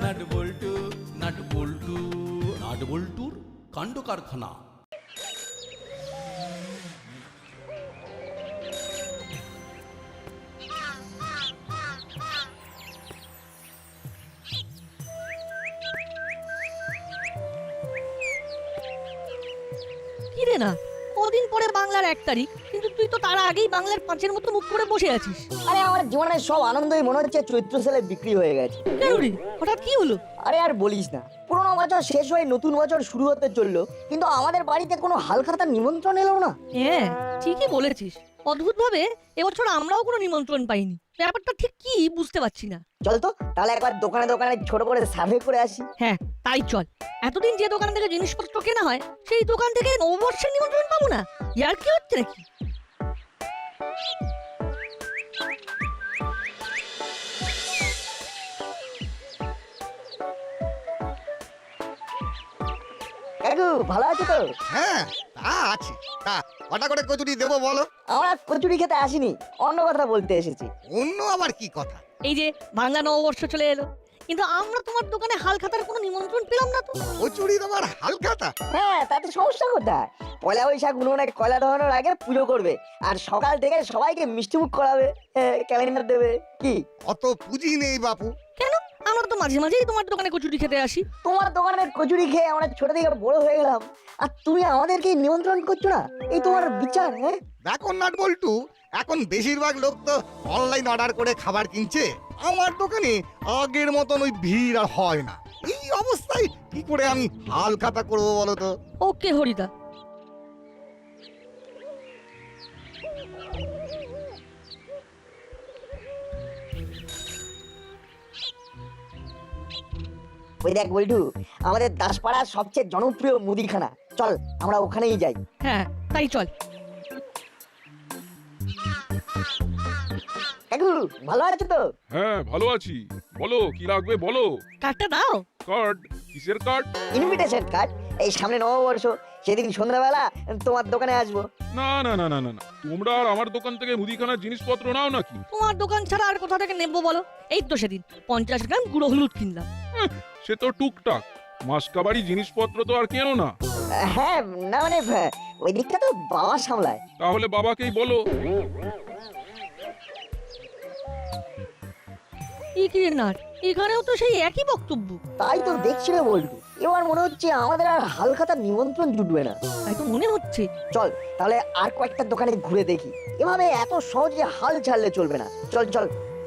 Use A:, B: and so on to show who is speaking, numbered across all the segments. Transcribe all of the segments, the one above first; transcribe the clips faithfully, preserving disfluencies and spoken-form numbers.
A: Nut বল্টু nut বল্টু nut বল্টুর কাণ্ড কারখানা।
B: কিরে না কদিন পরে বাংলার এক তারিখ, কিন্তু তুই তো তার আগেই বাংলার পাঁচের মতো মুখ করে বসে আছিস।
C: আরে আমার জীবনের সব আনন্দই মনে হচ্ছে চৈত্র সেলে বিক্রি হয়ে গেছে।
B: কেন রে, হঠাৎ কি হলো?
C: আরে আর বলিস না, পুরোনো বছর শেষ হয়ে নতুন বছর শুরু হতে চললো, কিন্তু আমাদের বাড়িতে কোনো হালখাতার নিমন্ত্রণ এলো না।
B: হ্যাঁ ঠিকই বলেছিস, অদ্ভুত ভাবে এবছর আমরাও কোনো নিমন্ত্রণ পাইনি। ব্যাপারটা ঠিক কি বুঝতে পারছি না।
C: চল তো তাহলে একবার দোকানে দোকানে ছোট করে সার্ভে করে আসি।
B: হ্যাঁ তাই চল। এতদিন যে দোকান থেকে জিনিসপত্র কেনা হয় সেই দোকান থেকে নববর্ষের নিমন্ত্রণ পাবো না? ইয়ার কি হচ্ছে নাকি?
C: কাকু ভালো আছো তো?
D: হ্যাঁ তা আছে। তা কটা করে কচুরি দেবো বলো?
C: আমরা কচুরি খেতে আসিনি, অন্য কথা বলতে এসেছি।
D: অন্য আবার কি কথা?
B: এই যে বাংলা নববর্ষ চলে এলো, কিন্তু আমরা তোমার দোকানে হালখাতার কোনো নিমন্ত্রণ পেলাম না তো।
D: কচুরি তোমার হালখাতা?
C: হ্যাঁ তাতে সমস্যা কোথায়? পয়লা বৈশাখ উনুনে কয়লা ধরানোর আগে পুজো করবে, আর সকাল থেকে সবাইকে মিষ্টিমুখ করাবে, ক্যালেন্ডার দেবে। কি
D: অত পুঁজি নেই বাপু।
B: কেন? আমরা তো মাঝে মাঝেই তোমার দোকানে কচুরি খেতে আসি।
C: তোমার দোকানের কচুরি খেয়ে আমরা ছোট থেকে বড় হয়ে গেলাম, আর তুমি আমাদেরকে নিমন্ত্রণ করছো না? এই তোমার বিচার? হ্যাঁ
D: দেখো নাট বল্টু, এখন বেশিরভাগ লোক তো অনলাইন অর্ডার করে খাবার কিনছে। আমার দোকানে আগের মতন ওই ভিড় আর হয় না। এই অবস্থায় কি করে আমি হালখাতা করবো বলো তো?
B: ওকে হরিদা।
C: ওই দেখ বল্টু, আমাদের দাসপাড়ার সবচেয়ে জনপ্রিয় মুদিখানা, চল আমরা ওখানেই যাই।
B: হ্যাঁ তাই চল।
C: কাকু ভালো আছো তো?
E: হ্যাঁ ভালো আছি। বলো কি লাগবে বলো।
B: কার্ডটা দাও।
E: কার্ড? কিসের কার্ড?
C: Invitation card. এই সামনে নববর্ষ, সেদিন সন্ধ্যাবেলা তোমার দোকানে আসবো।
E: না না না না না না, তোমরা আর আমার দোকান থেকে মুদিখানার জিনিসপত্র নাও নাকি?
B: তোমার দোকান ছাড়া আর কোথা থেকে নেবো বলো? এই তো সেদিন পঞ্চাশ গ্রাম গুঁড়ো হলুদ কিনলাম।
E: সে তো টুকটাক, মাসকাবাড়ি জিনিসপত্র তো আর কেনো না।
C: হ্যাঁ না মানে ওই দিকটা তো বাবা সামলায়।
E: তাহলে বাবাকেই বলো।
B: নাট এখানেও তো সেই একই বক্তব্য।
C: তাই তো দেখছি রে বল্টু, এবার মনে হচ্ছে আমাদের আর হালখাতার নিমন্ত্রণ জুটবে না।
B: তাই তো মনে হচ্ছে।
C: চল তাহলে আর কয়েকটা দোকানে ঘুরে দেখি, এভাবে এত সহজে হাল ছাড়লে চলবে না। চল চল।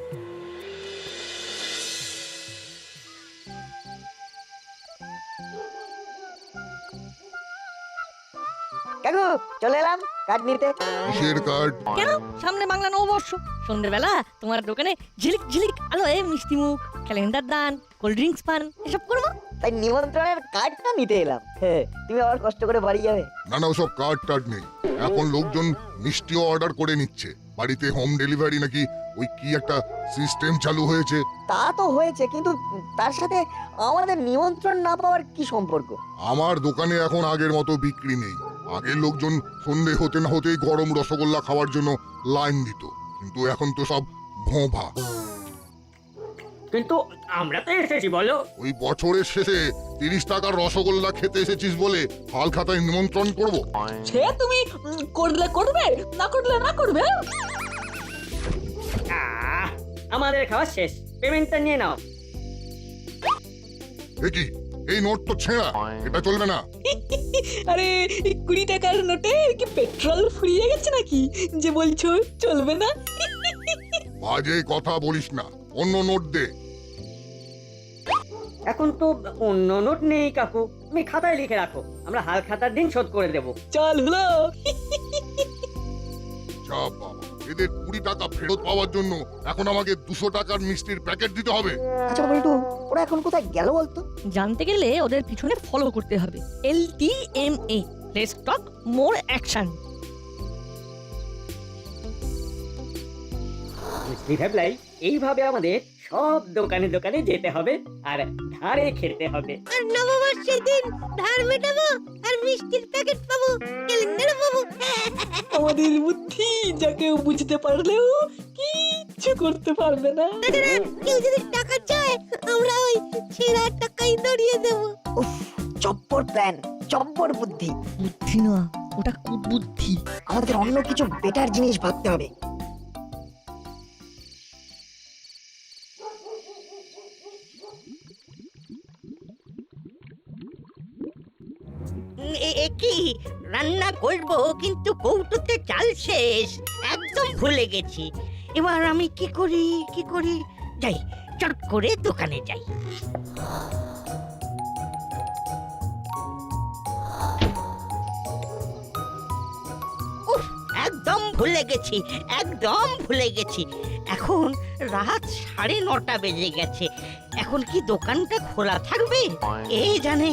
C: কাকু চলে এলাম কার্ড নিতে।
F: কিসের কার্ড?
B: কেন? সামনে বাংলা নববর্ষ, সন্ধ্যেবেলা তোমার দোকানে ঝিলিক ঝিলিক আলোয় মিষ্টি মুখ, ক্যালেন্ডার দান, কোল্ড ড্রিঙ্কস পান এসব করবো।
C: তাই নিমন্ত্রণের কার্ডটা নিতে এলাম। হ্যাঁ তুমি আবার কষ্ট করে বাড়ি যাবে?
F: না না, ওসব কার্ড টার্ড নেই। এখন লোকজন মিষ্টিও অর্ডার করে নিচ্ছে, বাড়িতে হোম ডেলিভারি নাকি ওই কি একটা সিস্টেম চালু হয়েছে।
C: তা তো হয়েছে, কিন্তু তার সাথে আমাদের নিমন্ত্রণ না পাওয়ার কি সম্পর্ক?
F: আমার দোকানে এখন আগের মতো বিক্রি নেই। আগের লোকজন সন্ধে হতে না হতেই গরম রসগোল্লা খাওয়ার জন্য লাইন দিত, কিন্তু এখন তো সব ভোঁভা।
G: কিন্তু আমরা তো এসেছি বলো।
F: ওই বছরের শেষে তিরিশ টাকার রসগোল্লা খেতে এসেছিস বলে হালখাতায় নিমন্ত্রণ করব?
H: সে তুমি উম, করলে করবে, না করলে না করবে।
G: আহ, আমাদের খাওয়া শেষ, পেমেন্টটা নিয়ে নাও।
F: দেখি এই নোট তো ছেঁড়া, এটা চলবে না।
H: আরে এই কুড়ি টাকার নোটে কি পেট্রোল ফুরিয়ে গেছে নাকি যে বলছো চলবে না?
F: বাজে কথা বলিস না, অন্য নোট দে।
G: এখন তো অন্য নোট নেই কাকু, তুমি খাতায় লিখে রাখো, আমরা হাল খাতার দিন শোধ করে দেব।
H: চল হলো।
F: যা বাবা, এদের কুড়ি টাকা ফেরত পাওয়ার জন্য এখন আমাকে দুশো টাকার মিষ্টির প্যাকেট দিতে হবে।
C: আচ্ছা বল্টু, ওরা এখন কোথায় গেল বলতো?
B: জানতে গেলে ওদের পিছনে ফলো করতে হবে। L T M A, let's talk more action.
G: বুঝলি ভাবলাই, এইভাবে আমাদের সব দোকানে দোকানে যেতে হবে আর ধারে খেতে হবে।
B: আর নববর্ষের দিন ধার মেটাবো আর মিষ্টির প্যাকেট পাবো, ক্যালেন্ডার পাবো।
H: আমাদের বুদ্ধি যা কেউ বুঝতে পারলেও কি কিচ্ছু করতে পারবে না।
B: কেউ যদি টাকা চায় আমরা ওই ছেঁড়া টাকাই ধরিয়ে দেব।
C: উফ, চপ্পর প্ল্যান, চপ্পর বুদ্ধি।
B: বুদ্ধি না, ওটা কুবুদ্ধি।
C: আমাদের অন্য কিছু বেটার জিনিস ভাবতে হবে।
I: কি রান্না করব কিন্তু কৌটোতে চাল শেষ, একদম ভুলে গেছি। এবার আমি কি করি কি করি যাই, চট করে দোকানে যাই। উফ, একদম ভুলে গেছি, একদম ভুলে গেছি। এখন রাত সাড়ে নটা বেজে গেছে, এখন কি দোকানটা খোলা থাকবে কে জানে।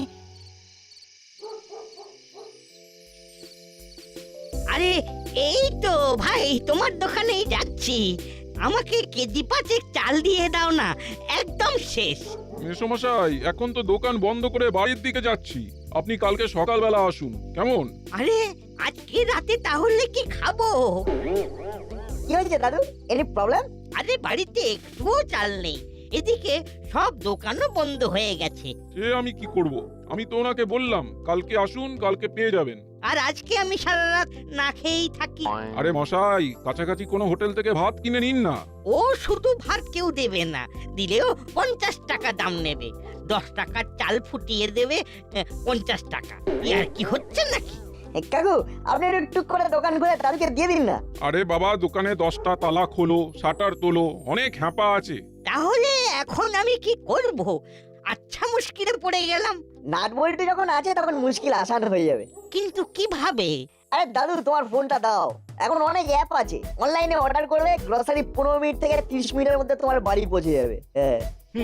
I: আরে এই তো ভাই, তোমার দোকানেই যাচ্ছি, আমাকে কেজি পাঁচেক চাল দিয়ে দাও না, একদম শেষ।
E: মেসোমশাই, এখন তো দোকান বন্ধ করে বাড়ির দিকে যাচ্ছি, আপনি কালকে সকালবেলা আসুন কেমন?
I: আরে আজকে রাতে তাহলে কি খাবো?
C: কি হয়েছে দাদু, এনি প্রবলেম?
I: আরে বাড়িতে একটুও চাল নেই, এদিকে সব দোকানও বন্ধ হয়ে গেছে।
E: সে আমি কি করব, আমি তো ওনাকে বললাম কালকে আসুন, কালকে পেয়ে যাবেন।
I: আর আজকে আমি সারা রাত না খেয়েই থাকি।
E: আরে মশাই, কাছাকাছি কোনো হোটেল থেকে ভাত কিনে নিন না।
I: ও শুধু ভাত কেউ দেবে না, দিলেও পঞ্চাশ টাকা দাম নেবে। দশ টাকার চাল ফুটিয়ে দেবে আহ, পঞ্চাশ টাকা। আর কি হচ্ছে নাকি?
C: এ, কাকু আপনি একটু টুক করে দোকান খুলে দাদুকে দিয়ে দিন না।
E: আরে বাবা, দোকানে দশটা তালা খোলো, শাটার তোলো, অনেক হ্যাপা আছে।
I: তাহলে এখন আমি কি করব? আচ্ছা মুশকিলে পড়ে গেলাম।
C: নাট বল্টু যখন আছে তখন মুশকিল আসান হয়ে যাবে।
I: কিন্তু কিভাবে?
C: আরে দাদু তোমার ফোনটা দাও, এখন অনেক অ্যাপ আছে, অনলাইনে অর্ডার করবে, গ্রসারি পনেরো মিনিট থেকে তিরিশ মিনিটের মধ্যে তোমার বাড়ি পৌঁছে যাবে। হ্যাঁ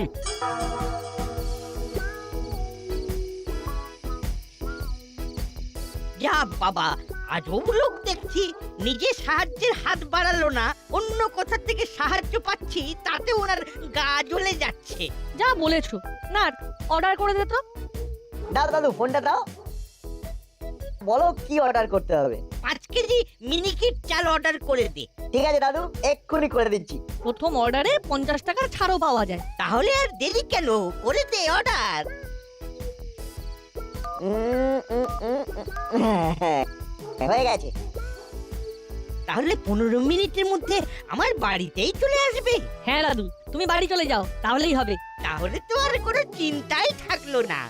I: যা বাবা, আজব লোক দেখছি, নিজে সাহায্যের হাত বাড়ালো না, অন্য কোথা থেকে সাহায্য পাচ্ছি তাতে ওনার গা জ্বলে যাচ্ছে।
B: যা বলেছো, না অর্ডার করে দে তো।
C: দাও দাদু ফোনটা দাও, বলো কি অর্ডার করতে হবে।
I: পাঁচ কেজি মিনিকিট চাল অর্ডার করে দে।
C: ঠিক আছে দাদু, এক্ষুনি করে দিচ্ছি।
B: প্রথম অর্ডারে পঞ্চাশ টাকার ছাড়ও পাওয়া যায়।
I: তাহলে আর দেরি কেন, করে দে অর্ডার।
C: উম, উম, উম, উম, হ্যাঁ, হ্যাঁ, হয়ে গেছে।
I: তাহলে পনেরো মিনিটের মধ্যে আমার বাড়িতেই চলে আসবে।
B: হ্যাঁ দাদু, তুমি বাড়ি চলে যাও, তাহলেই হবে।
I: তাহলে তো আর কোনো চিন্তাই থাকলো না।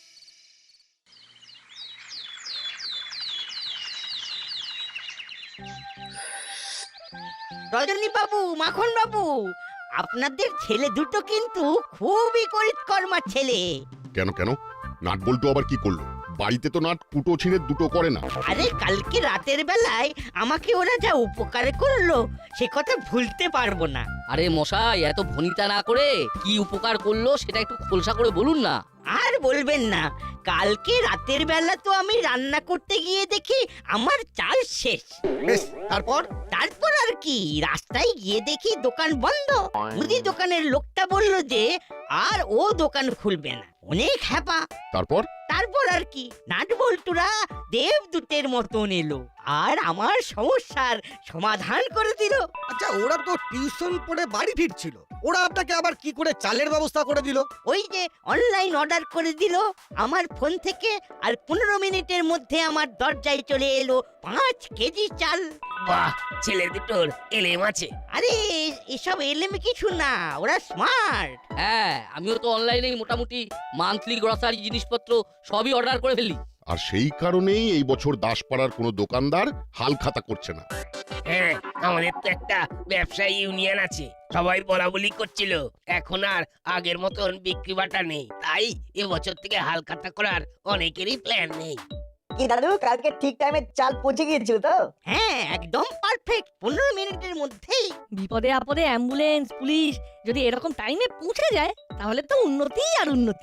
I: রজনী বাবু, মাখন বাবু, আপনাদের ছেলে দুটো কিন্তু খুবই করিতকর্মা ছেলে।
J: কেন কেন নাট বল্টু আবার কি করলো? বাড়িতে তো নাট কুটো ছিঁড়ে দুটো করে না।
I: আরে কালকে রাতের বেলায় আমাকে ওরা যা উপকার করলো সে কথা ভুলতে পারবো না।
K: আরে মশাই, এত ভনিতা না করে কি উপকার করলো সেটা একটু খোলসা করে বলুন না।
I: আর বলবেন না, কালকে রাতের বেলা তো আমি রান্না করতে গিয়ে দেখি আমার চাল শেষ।
D: বেশ, তারপর?
I: তারপর আর কি, রাস্তায় গিয়ে দেখি দোকান বন্ধ। মুদি দোকানের লোকটা বলল যে আর ও দোকান খুলবে না, অনেক হ্যাপা।
J: তারপর?
I: তারপর আর কি, নাট বল্টুরা দেবদূতের মতন এলো আর আমার সমস্যার সমাধান করে দিল।
D: আচ্ছা, ওরা তো টিউশন পড়ে বাড়ি ফিরছিল, ওরা আপনাকে আবার কি করে চালের ব্যবস্থা করে দিল?
I: ওই যে অনলাইন অর্ডার করে দিল আমার ফোন থেকে, আর পনেরো মিনিটের মধ্যে আমার দরজায় চলে এলো পাঁচ কেজি চাল।
K: বাহ, ছেলে দুটোর এলেম আছে।
I: আরে এসব এলেম কিছু না, ওরা স্মার্ট।
K: হ্যাঁ, আমিও তো অনলাইনেই মোটামুটি মান্থলি গ্রসারি জিনিসপত্র সবই অর্ডার করে ফেলি।
J: আর সেই কারণেই এই বছর দাসপাড়ার কোনো দোকানদার হাল খাতা করছে না।
K: হ্যাঁ, আমাদের তো একটা ব্যবসায়ী ইউনিয়ন আছে, সবাই বলা বলি করছিল, এখন আর আগের মতন বিক্রি বাটা নেই, তাই এবছর থেকে হাল খাতা করার অনেকেরই প্ল্যান নেই।
C: কি দাদু, কালকে ঠিক টাইমে চাল পৌঁছে গিয়েছিল তো?
I: হ্যাঁ, একদম পারফেক্ট, পনেরো মিনিটের মধ্যেই।
B: বিপদে আপদে অ্যাম্বুলেন্স, পুলিশ যদি এরকম টাইমে পৌঁছে যায় তাহলে তো উন্নতি আর উন্নতি।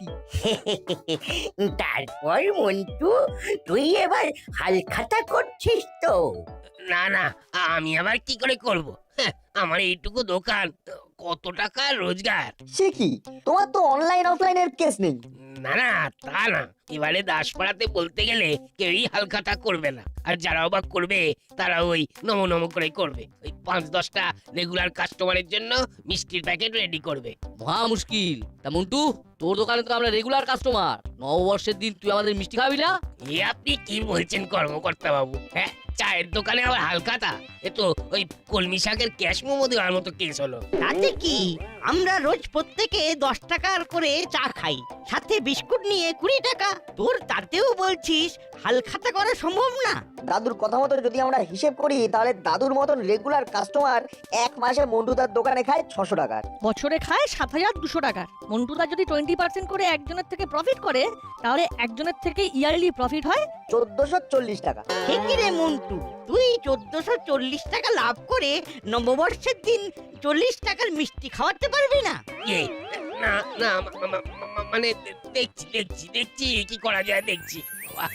I: তারপর মন্টু, তুই এবার হাল খাতা করছিস তো?
K: না না, আমি আবার কি করে করব? আমার এইটুকু দোকান কত টাকা রোজগার?
C: সে কি, তোমার তো অনলাইন অফলাইনের কেস নেই।
K: না না তা না, এবারে দাসপাড়াতে বলতে গেলে কেউই হালখাতা করবে না, আর যারা অবাক করবে তারা ওই নমো নমো করে করবে। ওই পাঁচ দশটা রেগুলার কাস্টমারের জন্য মিষ্টির প্যাকেট রেডি করবে।
B: মহা মুশকিল। তা মন্টু, তোর দোকানে তো আমরা রেগুলার কাস্টমার, নববর্ষের দিন তুই আমাদের মিষ্টি খাবি না?
K: এ আপনি কি বলছেন কর্মকর্তা বাবু? হ্যাঁ, চায়ের দোকানে আবার হালখাতা? এ তো ওই কলমি শাকের ক্যাশ মোমো দেওয়ার মতো কেস হলো।
I: তাতে কি, আমরা রোজ প্রত্যেকে দশ টাকার করে চা খাই, সাথে বিস্কুট নিয়ে কুড়ি টাকা। তোর তাতেও বলছিস হালখাতা করা সম্ভব না?
C: দাদুর কথা মতো যদি আমরা হিসেব করি, তাহলে দাদুর মতন রেগুলার কাস্টমার এক মাসে মন্টুদার দোকানে খায় ছশো টাকার।
B: বছরে খায় সাত হাজার দুশো টাকা। মন্টুদা যদি টোয়েন্টি পার্সেন্ট করে একজনের থেকে প্রফিট করে, তাহলে একজনের থেকে ইয়ারলি প্রফিট হয়
C: চোদ্দশো চল্লিশ টাকা।
I: ঠিকই রে মন্টু, তুই চোদ্দশো চল্লিশ টাকা লাভ করে নববর্ষের দিন চল্লিশ টাকার মিষ্টি খাওয়াতে পারবি না?
K: এ, না না মা- মা- মা- মানে দেখছি দেখছি দেখছি কি করা যায় দেখছি। বাহ,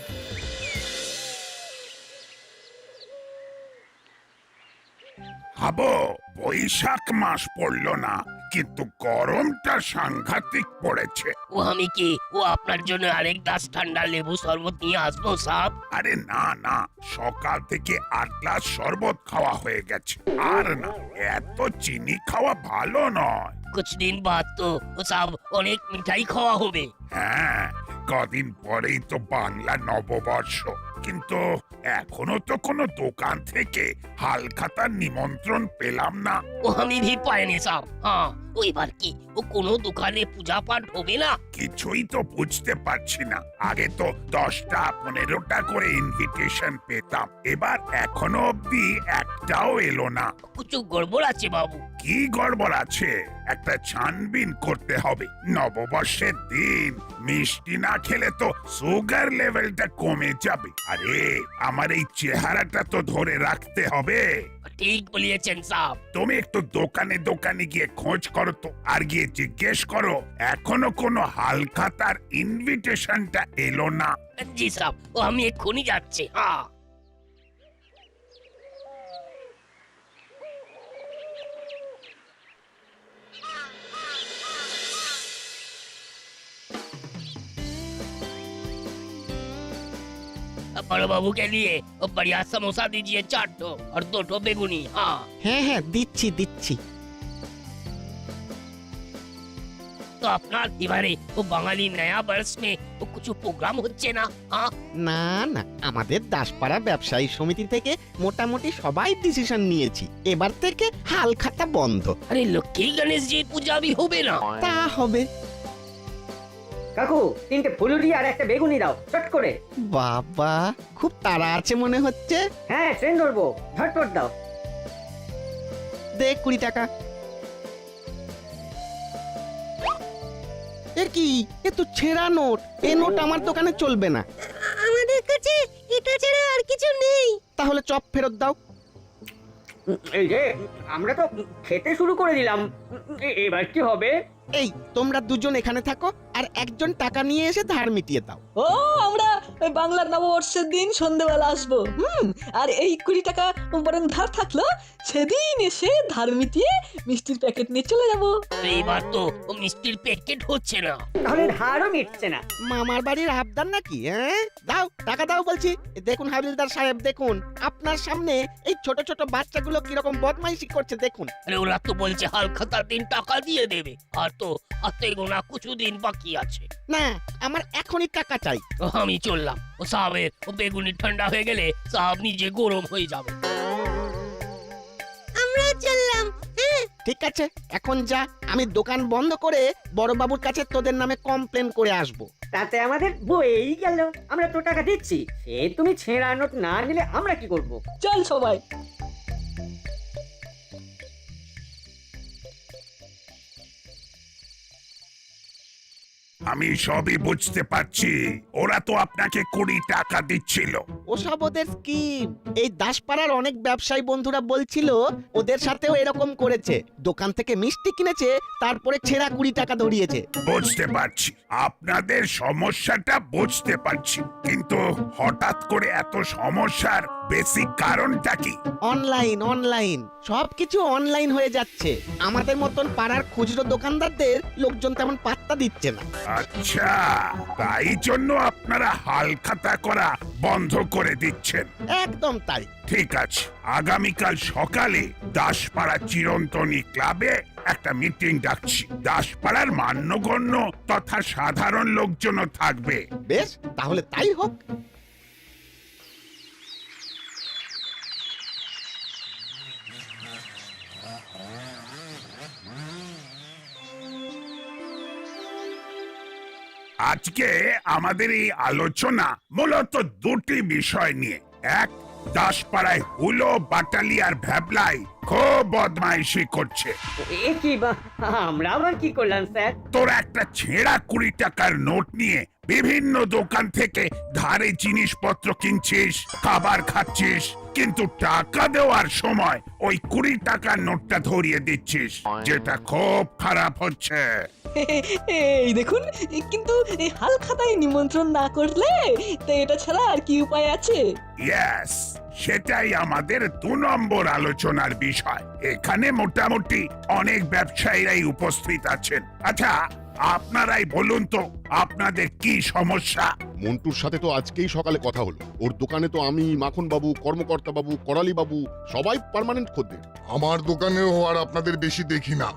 L: হাবো, বৈশাখ মাস পড়লো না, কিন্তু গরমটা সাংঘাতিক পড়েছে।
K: ও আমি কি ও আপনার জন্য আরেক গ্লাস ঠান্ডা লেবু শরবত নিয়ে আসবো সাব?
L: আরে না না, সকাল থেকে আট গ্লাস শরবত খাওয়া হয়ে গেছে। আর না, এত চিনি খাওয়া ভালো নয়।
K: কুছ দিন বাদ তো ও সাব অনেক মিঠাই খাওয়া হবে।
L: হ্যাঁ, কদিন পরেই তো বাংলা নববর্ষ, কিন্তু এখনো তো কোনো দোকান থেকে হালখাতার নিমন্ত্রণ পেলাম না।
K: ও আমি ভি পাইনি সাব। হ্যাঁ, ও এবার কি ও কোনো দোকানে পূজা পাঠ হবে না?
L: কিছুই তো বুঝতে পারছি না। আগে তো দশটা পনেরোটা করে ইনভিটেশন পেতাম, এবার এখনো অব্দি একটাও এলো না।
K: কিছু গড়বড় আছে বাবু।
L: কি গড়বড় আছে? একটা ছানবিন করতে হবে। নববর্ষের দিন মিষ্টি না খেলে তো সুগার লেভেলটা কমে যাবে। আরে আমার এই চেহারাটা তো ধরে রাখতে হবে।
K: ঠিক বলিয়েছেন সাব।
L: তুমি একটু দোকানে দোকানে গিয়ে খোঁজ করো তো, আর গিয়ে জিজ্ঞেস করো এখনো কোনো হালখাতার ইনভিটেশনটা এলো না।
K: জি সাব, ও আমি এক্ষুনি যাচ্ছি। হ্যাঁ, बड़ो बाबू के लिए वो बढ़िया समोसा दीजिए चार ठो और दो ठो बेगुनी। हाँ
I: হ্যাঁ হ্যাঁ, দিচ্ছি দিচ্ছি।
K: तो अपना এবারে वो বাঙালি নয়া বর্ষ में वो कुछ प्रोग्राम হচ্ছে না? हाँ
M: না না, আমাদের দাসপাড়া ব্যবসায়ী সমিতি থেকে মোটামুটি সবাই ডিসিশন নিয়েছি, এবার থেকে হালখাতা বন্ধ।
K: अरे लक्ष्मी गणेश जी पूजा भी হবে না?
M: তা হবে।
G: কাকু, তিনটে ফুলুরি আর একটা বেগুনি দাও চট করে।
M: বাবা, খুব তাড়া আছে মনে হচ্ছে।
G: হ্যাঁ, ট্রেন ধরবো, ঝটপট দাও।
M: দে কুড়ি টাকা। এ কি, এ তো ছেঁড়া নোট। এ নোট আমার দোকানে চলবে না।
I: আমাদের কাছে এটা ছাড়া আর কিছু নেই।
M: তাহলে চপ ফেরত দাও।
G: এই যে আমরা তো খেতে শুরু করে দিলাম, এ- এবার কি হবে?
M: এই তোমরা দুজন এখানে থাকো, আর একজন টাকা নিয়ে এসে ধার মিটিয়ে দাও।
H: ও, আমরা ওই বাংলার নববর্ষের দিন সন্ধ্যেবেলা আসবো। হুম, আর এই কুড়ি টাকা বরং ধার থাকলো, সেদিন এসে ধার মিটিয়ে মিষ্টির প্যাকেট নিয়ে চলে যাবো।
K: এইবার তো ও মিষ্টির প্যাকেট হচ্ছে না।
G: তাহলে ধারও মিটছে না।
M: মামার বাড়ির আবদার নাকি? হ্যাঁ, দাও টাকা দাও বলছি। এ দেখুন হাবিলদার সাহেব, দেখুন আপনার সামনে এই ছোট ছোট বাচ্চাগুলো কিরকম বদমাইশি করছে দেখুন।
K: আরে ওরা তো বলছে হালখাতার দিন টাকা দিয়ে দেবে, আর তো হাতে গোনা কিছু দিন বাকি আছে।
M: না, আমার এখনই টাকা চাই।
K: ও আমি চললাম, ও সাহেবের ও বেগুনি ঠান্ডা হয়ে গেলে সাহেব নিজে গরম হয়ে যাবে।
I: আমরা চললাম।
M: ঠিক আছে, এখন যা, আমি দোকান বন্ধ করে বড়বাবুর কাছে তোদের নামে কমপ্লেন করে আসবো।
G: তাতে আমাদের বই গেল। আমরা তো টাকা দিচ্ছি, সে তুমি ছেঁড়া নোট না নিলে আমরা কি করব?
H: চল সবাই।
L: আমি সবই বুঝতে পারছি, ওরা তো আপনাকে কুড়ি টাকা দিচ্ছিল,
M: ওসব ওদের স্কিম। এই দাসপাড়ার অনেক ব্যবসায়ী বন্ধুরা বলছিল ওদের সাথেও এরকম করেছে, দোকান থেকে মিষ্টি কিনেছে, তারপরে ছেঁড়া কুড়ি টাকা ধরিয়েছে।
L: বুঝতে পারছি আপনাদের সমস্যাটা বুঝতে পারছি, কিন্তু হঠাৎ করে এত সমস্যার বেসিক কারণটা কি?
M: অনলাইন অনলাইন সবকিছু অনলাইন হয়ে যাচ্ছে। আমাদের মতন পাড়ার খুচরো দোকানদারদের লোকজন তেমন পাত্তা দিচ্ছে না।
L: আচ্ছা, তাই জন্য আপনারা হালখাতা করা বন্ধ করে দিচ্ছেন।
M: একদম তাই।
L: ঠিক আছে, আগামীকাল সকালে দাসপাড়া চিরন্তনী ক্লাবে একটা মিটিং ডাকছি। দাসপাড়ার মান্যগণ্য তথা সাধারণ লোকজনও থাকবে।
M: বেশ, তাহলে তাই হোক।
L: আজকে আমাদের এই আলোচনা মূলত দুটি বিষয় নিয়ে। এক, দাসপাড়ায় হুলো, বাটালি আর ভ্যাবলাই খুব বদমাইশি করছে।
G: এ কি বা আমরা আবার কি করলাম স্যার?
L: তোর একটা ছেঁড়া কুড়ি টাকার নোট নিয়ে বিভিন্ন দোকান থেকে ধারে জিনিসপত্র কিনছিস, খাবার খাচ্ছিস, কিন্তু টাকা দেওয়ার সময় ওই কুড়ি টাকার নোটটা ধরিয়ে দিচ্ছিস, যেটা খুব খারাপ হচ্ছে।
H: এই দেখুন, কিন্তু এই হাল খাতায় নিমন্ত্রণ না করলে তো এটা ছাড়া আর কি উপায় আছে?
L: ইয়েস, সেটাই আমাদের দু নম্বর আলোচনার বিষয়। এখানে মোটামুটি অনেক ব্যবসায়ীরাই উপস্থিত আছেন। আচ্ছা, আপনারাই বলুন তো আপনাদের কি সমস্যা?
J: মন্টুর সাথে তো আজকেই সকালে কথা হলো। ওর দোকানে তো আমি, মাখন বাবু, কর্মকর্তা বাবু, করালি বাবু সবাই পার্মানেন্ট খদ্দের।
F: আমার দোকানেও আর আপনাদের বেশি দেখি না।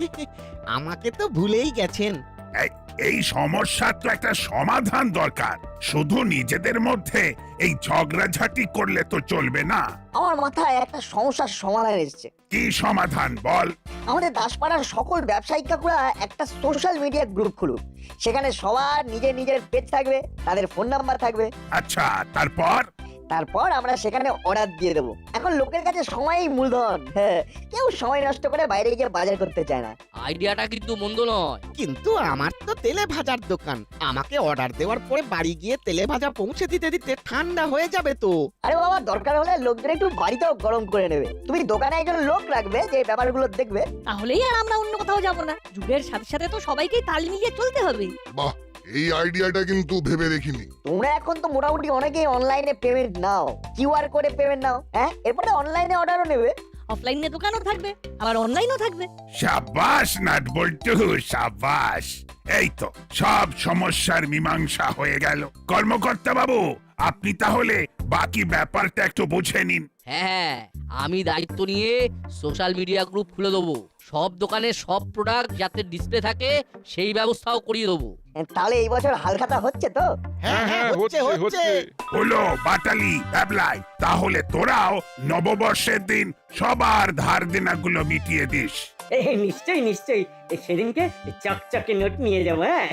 M: আমাকে তো ভুলেই গেছেন।
L: এই- এই সমস্যার তো একটা সমাধান দরকার। শুধু নিজেদের মধ্যে এই ঝগড়াঝাটি করলে তো চলবে না।
C: আমার মাথায় একটা সমস্যার সমাধান এসেছে।
L: কি সমাধান বল?
C: আমাদের দাসপাড়ার সকল ব্যবসায়িক কাকুরা একটা সোশ্যাল মিডিয়া গ্রুপ খুলুক। সেখানে সবার নিজের নিজের পেজ থাকবে, তাদের ফোন নাম্বার থাকবে।
L: আচ্ছা, তারপর?
C: তারপর আমরা সেখানে অর্ডার দিয়ে দেবো। এখন লোকের কাছে সময়ই মূলধন। হ্যাঁ, কেউ সময় নষ্ট করে বাইরে গিয়ে বাজার করতে চায় না।
A: আইডিয়াটা কিন্তু মন্দ নয়।
M: কিন্তু আমার তো তেলে ভাজার দোকান, আমাকে অর্ডার দেওয়ার পরে বাড়ি গিয়ে তেলে ভাজা পৌঁছে দিতে দিতে ঠান্ডা হয়ে যাবে তো।
C: আরে বাবা, দরকার হলে লোকজন একটু বাড়িতেও গরম করে নেবে। তুমি দোকানে একজন লোক রাখবে যে ব্যাপারগুলো দেখবে।
B: তাহলেই আর আমরা অন্য কোথাও যাব না। যুগের সাথে সাথে তো সবাইকেই তাল মিলিয়ে চলতে হবে।
F: বাহ, এই আইডিয়াটা কিন্তু ভেবে দেখিনি।
C: তোমরা এখন তো মোটামুটি অনেকেই অনলাইনে পেমেন্ট নাও, কিউআর কোডে পেমেন্ট নাও। হ্যাঁ, এরপরে অনলাইনে অর্ডারও নেবে।
B: অফলাইনে দোকানও থাকবে, আবার অনলাইনও থাকবে।
L: সাবাস নাট বল্টু, সাবাস। এই তো সব সমস্যার মীমাংসা হয়ে গেল। কর্মকর্তা বাবু, আপনি তাহলে বাকি ব্যাপারটা একটু বুঝে নিন।
A: হ্যাঁ, আমি দায়িত্ব নিয়ে সোশ্যাল মিডিয়া গ্রুপ খুলে দেবো। সব দোকানে সব প্রোডাক্ট যাতে ডিসপ্লে থাকে সেই ব্যবস্থাও করিয়ে দেবো।
C: তাহলে এই বছর হালখাতা হচ্ছে তো?
M: হ্যাঁ হ্যাঁ, হচ্ছে হচ্ছে।
L: হলো, বাটালি, ভ্যাবলাই, তাহলে তোরাও নববর্ষের দিন সবার ধার দেনাগুলো মিটিয়ে দিস।
G: এ নিশ্চয়ই নিশ্চয়ই, এ সেদিনকে চকচকে নোট নিয়ে যাবো। হ্যাঁ,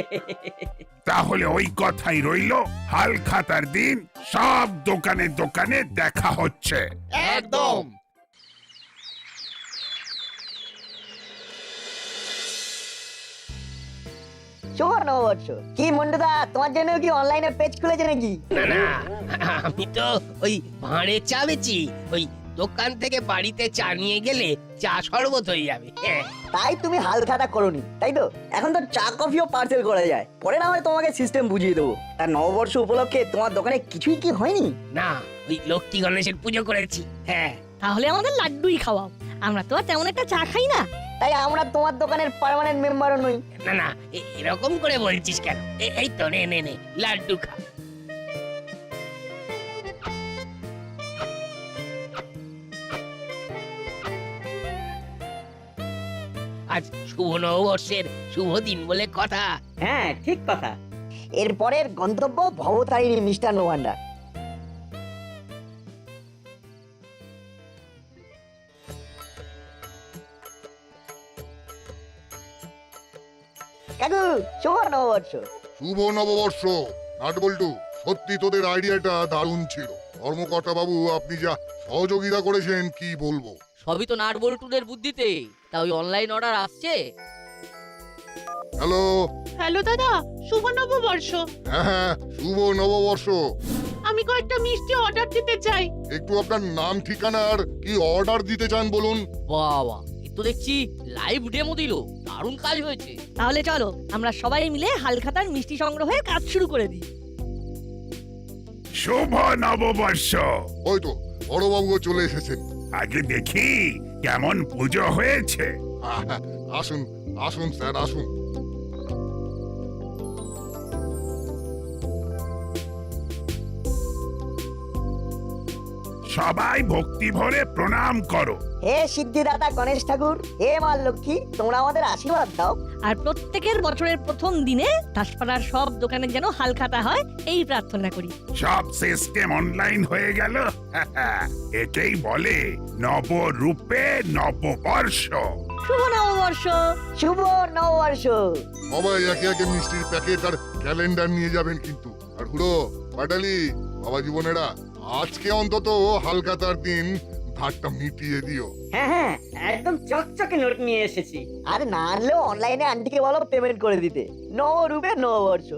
L: তাহলে ওই কথাই রইলো, হাল খাতার দিন সব দোকানে দোকানে দেখা হচ্ছে।
M: একদম।
C: শুভ নববর্ষ। কি মন্ডুদা, তোমার জন্য কি অনলাইনে পেজ খুলেছে নাকি?
K: না না, আমি তো ওই ভাঁড়ে চা বেচি। ওই দোকান থেকে বাড়িতে চা নিয়ে গেলে চা শরবত হয়ে যাবে। হ্যাঁ,
C: তাই তুমি হালখাতা করোনি, তাই তো? এখন তো চা কফিও পার্সেল করা যায়। পরে না হয় তোমাকে সিস্টেম বুঝিয়ে দেবো। তার নববর্ষ উপলক্ষে তোমার দোকানে কিছুই কি হয়নি?
K: না, ওই লক্ষ্মী গণেশের পুজো করেছি। হ্যাঁ,
B: তাহলে আমাদের লাড্ডুই খাওয়াও। আমরা তো আর তেমন একটা চা খাই না।
C: তাই আমরা তোমার দোকানের পার্মানেন্ট মেম্বারও নই।
K: না না, এ- এরকম করে বলছিস কেন? এ- এই তো নে নে নে, লাড্ডু খা। আজ শুভ নববর্ষের শুভ দিন বলে কথা।
G: হ্যাঁ ঠিক কথা।
C: এরপরের গন্তব্য ভবতারিণী মিষ্টান্ন ভান্ডার। কাকু, শুভ নববর্ষ।
F: শুভ নববর্ষ। নাটবল্টু, সত্যি তোদের আইডিয়াটা দারুণ ছিল। কর্মকর্তা বাবু, আপনি যা সহযোগিতা করেছেন কি বলবো।
A: সবই তো নাট বল্টুদের বুদ্ধিতে। তা ওই অনলাইন অর্ডার আসছে।
F: হ্যালো।
H: হ্যালো দাদা, শুভ নববর্ষ।
F: হ্যাঁ হ্যাঁ, শুভ নববর্ষ।
H: আমি
I: আমি কয়েকটা মিষ্টি অর্ডার দিতে চাই।
F: একটু আপনার নাম ঠিকানা আর কি অর্ডার দিতে চান বলুন।
A: বাবা এ তো দেখছি লাইভ ডেমো দিল, দারুণ কাজ হয়েছে।
B: তাহলে চলো আমরা সবাই মিলে হালখাতার মিষ্টি সংগ্রহের কাজ শুরু করে দিই।
L: শুভ নববর্ষ।
F: ওই তো বড়বাবুও চলে এসেছেন।
L: আগে দেখি কেমন পুজো হয়েছে।
F: আহা, আসুন আসুন স্যার আসুন।
L: সবাই ভক্তি ভরে প্রণাম করো।
C: হে সিদ্ধিদাতা গণেশ ঠাকুর, হে মা লক্ষ্মী, তোমরা আমাদের আশীর্বাদ দাও।
B: আর প্রত্যেকের বছরের প্রথম দিনে দাসপাড়ার সব দোকানে যেন হালখাতা হয় এই প্রার্থনা করি।
L: সব সিস্টেম অনলাইন হয়ে গেল। একেই বলে নবরূপে নববর্ষ।
B: শুভ নববর্ষ।
C: শুভ নববর্ষ।
F: সবাই একে একে মিষ্টির প্যাকেট আর ক্যালেন্ডার নিয়ে যাবেন কিন্তু। আর হুড়ো পাটালি বাবা জীবনেরা, আজকে অন্তত হালখাতার দিন ধারটা মিটিয়ে দিও।
G: হ্যাঁ হ্যাঁ একদম চকচকে নোট নিয়ে এসেছি।
C: আর না আনলেও অনলাইনে আন্টিকে বলো পেমেন্ট করে দিতে। নবরূপে নববর্ষ।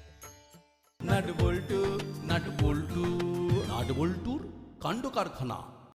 N: নাট বল্টু নাট বল্টু নাট বল্টুর কাণ্ড কারখানা।